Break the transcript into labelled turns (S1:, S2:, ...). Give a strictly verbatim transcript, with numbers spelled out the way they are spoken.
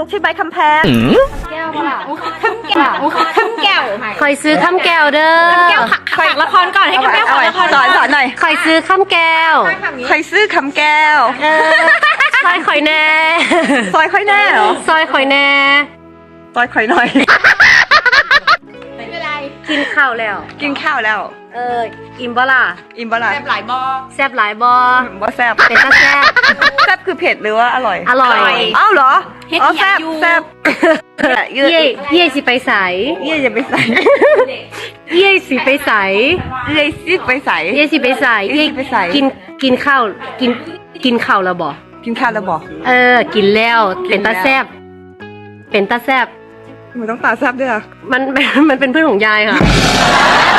S1: กชิ้นใบคำแพง
S2: แก้วเปล่า
S1: คำแก้วคำแก้ว
S2: คอยซื้อข้ามแก้วเด้อ
S1: แก้วผักฝากละครก่อนให้คำแก้วฝากละครสอนสอนหน่อย
S2: คอยซื้อข้ามแก้ว
S1: ใครซื้อคำแก้ว
S2: เออซอยคอยแน่
S1: ซอยค่อยแน่เหรอ
S2: ซอยคอยแน่
S1: ซอยค่อยหน่อย
S2: กินข้าวแล้ว
S1: กินข้าวแล้ว
S2: เอออิ่มบ่ล่ะ
S1: อิ่มบ่ล่ะ
S3: แซ่บหลายบอ
S2: แซ่บหลายบ่
S1: บ่แซ่บ
S2: เป็นตาแซ่บ
S1: แซ่บคือเผ็ดหรือว่าอร่อย
S2: อร่อย
S1: อ้าวเหรออ๋อแซ่บแซ่บเย่
S2: เย่เย่สิไปใส
S1: เย่จะไปใส่
S2: เย่สิไปใส
S1: เย่ซิไปใส่
S2: เย่สิไปใส
S1: เย่สิไปใส่
S2: กินกินข้าวกินกินข้าวแล้วบ่
S1: กินข้าวแล้วบอก
S2: เออ กินแล้วเป็นตาแซ่บเป็นตาแซ่บ
S1: มันต้องตาแซ่บด้วยเหรอ
S2: มัน มันเป็นเพื่อนของยายค่ะ